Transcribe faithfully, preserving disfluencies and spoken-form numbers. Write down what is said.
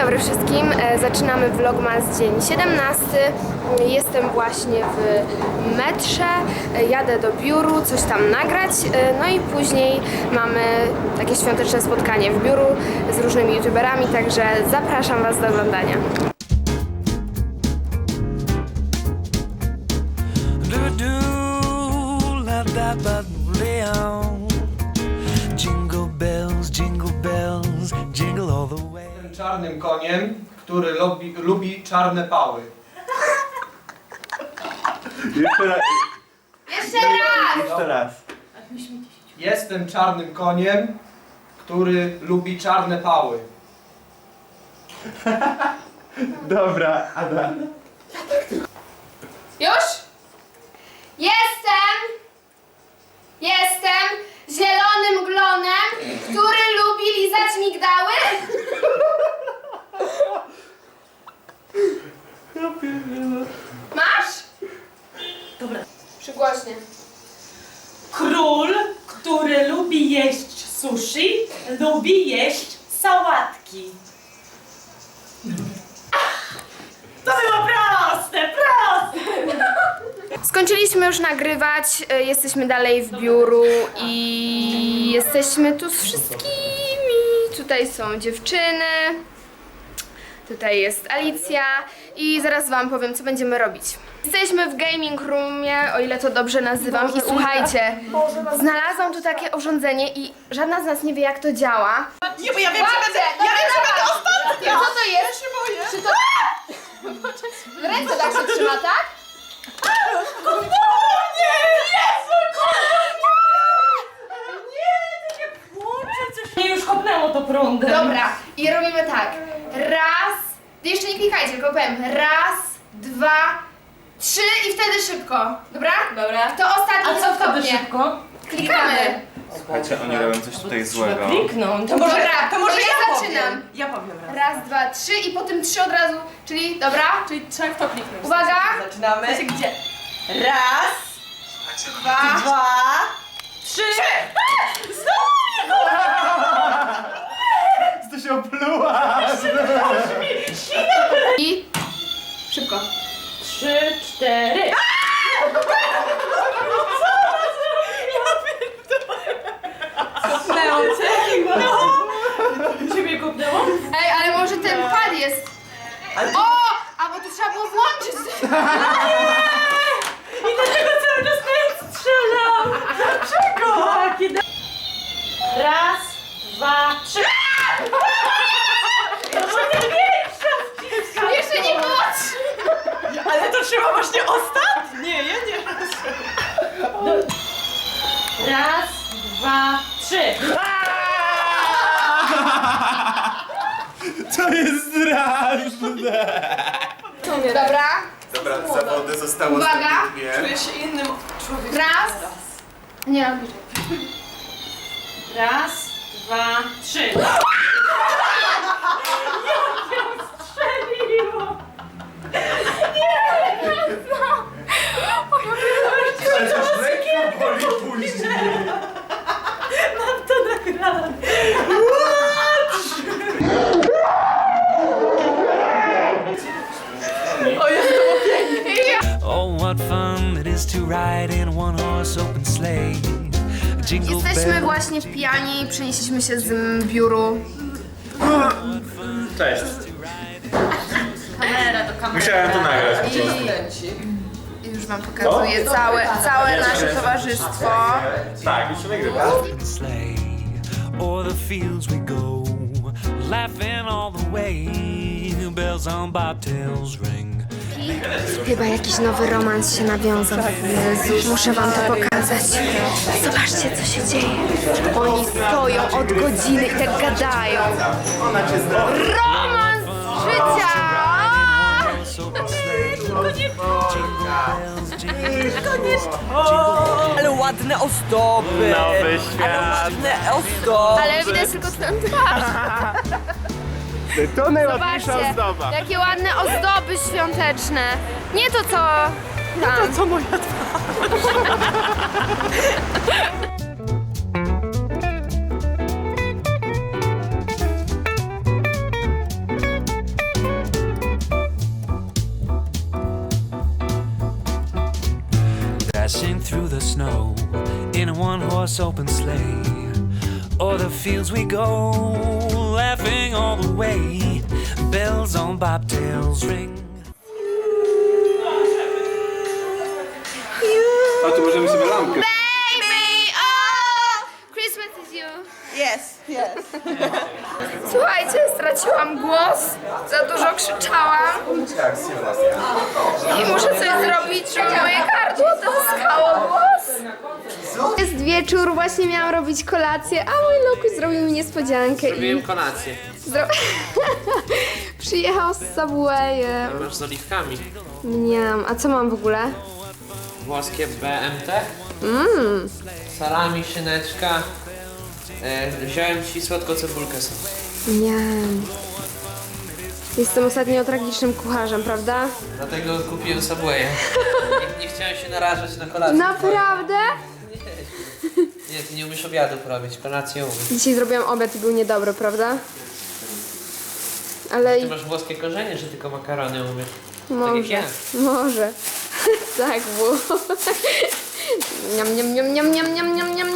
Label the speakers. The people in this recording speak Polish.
Speaker 1: dobry wszystkim, e, zaczynamy vlogmas dzień siedemnasty. Jestem właśnie w metrze, e, jadę do biuru, coś tam nagrać, e, no i później mamy takie świąteczne spotkanie w biuru z różnymi youtuberami, także zapraszam Was do oglądania.
Speaker 2: Jingle bells, jingle bells, jingle all the way.
Speaker 3: Czarnym koniem, który lubi, lubi czarne pały.
Speaker 4: Jeszcze raz.
Speaker 1: Jeszcze raz!
Speaker 4: Jeszcze raz.
Speaker 3: Jestem czarnym koniem, który lubi czarne pały.
Speaker 4: Dobra, Ada.
Speaker 1: Już? Jestem! Jestem zielonym glonem, który lubi lizać migdały. Masz?
Speaker 5: Dobra.
Speaker 1: Przygłośnie.
Speaker 5: Król, który lubi jeść sushi, lubi jeść sałatki. To było proste, proste!
Speaker 1: Skończyliśmy już nagrywać, y, jesteśmy dalej w biuru i jesteśmy tu z wszystkimi. Tutaj są dziewczyny, tutaj jest Alicja i zaraz Wam powiem, co będziemy robić. Jesteśmy w gaming roomie, o ile to dobrze nazywam, i słuchajcie, znalazłam tu takie urządzenie i żadna z nas nie wie, jak to działa.
Speaker 5: Nie, bo ja wiem, że będę, ja wiem, że będę ostatnia!
Speaker 1: Co to jest? Ja się boję. Czy to... Ręce tak się trzyma, tak?
Speaker 5: O nie! Jezu, nie! Nie, to nie płucze, coś mnie już kopnęło to prądem.
Speaker 1: Dobra, i robimy tak. Raz, jeszcze nie klikajcie, tylko powiem. Raz, dwa, trzy i wtedy szybko. Dobra? Dobra. To ostatni
Speaker 5: A co wtedy
Speaker 1: stopnie.
Speaker 5: szybko?
Speaker 1: Klikamy.
Speaker 4: Słuchajcie, oni robią coś tutaj złego.
Speaker 5: Kliknąć.
Speaker 1: To może, to może ja zaczynam.
Speaker 5: Powiem. Ja powiem raz.
Speaker 1: Raz, dwa, trzy i potem trzy od razu. Czyli, dobra?
Speaker 5: Czyli trzeba w to kliknąć.
Speaker 1: Uwaga.
Speaker 6: Zaczynamy.
Speaker 5: Wiecie gdzie?
Speaker 6: Raz,
Speaker 1: Dwa.
Speaker 6: dwa,
Speaker 5: Trzy! Znowu
Speaker 4: To się opluła!
Speaker 1: I szybko.
Speaker 5: Trzy, cztery.
Speaker 6: kopnęło cię.
Speaker 5: No! Ciebie kopnęło?
Speaker 1: Ej, ale może ten pad jest. O! A bo to trzeba było włączyć.
Speaker 5: I dlaczego cały czas na strzelam? Dlaczego? Takie da... Raz, dwa, trzy. To będzie większa wciska.
Speaker 1: Jeszcze nie było trzy.
Speaker 6: Ale to trzeba właśnie ostatnie, ja nie
Speaker 5: Raz, dwa, trzy.
Speaker 4: To jest straszne!
Speaker 1: Dobra.
Speaker 4: Dobra, zawody zostało
Speaker 1: Uwaga.
Speaker 4: stabilnie.
Speaker 6: Czuję się innym człowiekiem.
Speaker 1: Raz. Nie, robisz.
Speaker 5: Raz, dwa, trzy. Jak ją strzeliło!
Speaker 4: Ale to już lekko boli później.
Speaker 5: Mam to nagrane.
Speaker 2: Oh, what fun it is to ride in a one-horse open sleigh. Jingle
Speaker 1: Jesteśmy
Speaker 2: bells.
Speaker 1: właśnie pijani, przenieśliśmy się z m, biuru.
Speaker 4: Cześć.
Speaker 5: Kamera do kamery.
Speaker 4: Musiałem to nagrać.
Speaker 1: I już Wam pokazuję całe, całe nasze towarzystwo.
Speaker 4: Tak, już się nagrywa.
Speaker 2: Open sleigh. O'er the fields we go, laughing all the way. Bells on bobtails ring.
Speaker 1: Chyba jakiś nowy romans się nawiązał. Jezus, muszę Wam to pokazać. Zobaczcie, co się dzieje. Oni stoją od godziny i tak gadają. Romans życia!
Speaker 6: Ale ładne ozdoby.
Speaker 4: Nowy świat.
Speaker 6: Ale ładne ozdoby.
Speaker 1: Ale widać tylko twoją twarz.
Speaker 4: To najładniejsza
Speaker 1: Zobaczcie,
Speaker 4: ozdoba.
Speaker 1: jakie ładne ozdoby świąteczne. Nie to co tam.
Speaker 6: Co moja twarz?
Speaker 2: snow in a one-horse open sleigh. O'er the fields we go, laughing all the way. Bells on bobtails ring.
Speaker 4: A tu możemy sobie lampkę.
Speaker 1: Baby, oh, Christmas is you.
Speaker 6: Yes, yes.
Speaker 1: Słuchajcie, straciłam głos, za dużo krzyczałam i muszę coś zrobić, żeby moje gardło dozyskało głos. Jest wieczór, właśnie miałam robić kolację, a mój Lukuś zrobił mi niespodziankę i
Speaker 7: kolację.
Speaker 1: zro... przyjechał z Subwayem.
Speaker 7: Masz z oliwkami.
Speaker 1: Mniam, a co mam w ogóle?
Speaker 7: Włoskie B M T.
Speaker 1: Mmm,
Speaker 7: Salami, szyneczka. E, wziąłem ci słodką cebulkę sobie.
Speaker 1: mniam. Jestem ostatnio tragicznym kucharzem, prawda?
Speaker 7: Dlatego kupiłem Subwaya. Nie, nie chciałem się narażać na kolację.
Speaker 1: Naprawdę?
Speaker 7: Nie, ty nie umiesz obiadów robić, kolację umiesz.
Speaker 1: Dzisiaj zrobiłam obiad i był niedobry, prawda? Ale
Speaker 7: Ty masz włoskie korzenie, że tylko makarony umiesz. Tak jak
Speaker 1: może,
Speaker 7: ja.
Speaker 1: może. Tak było. Niam, niam, niam, niam, niam, niam, niam, niam.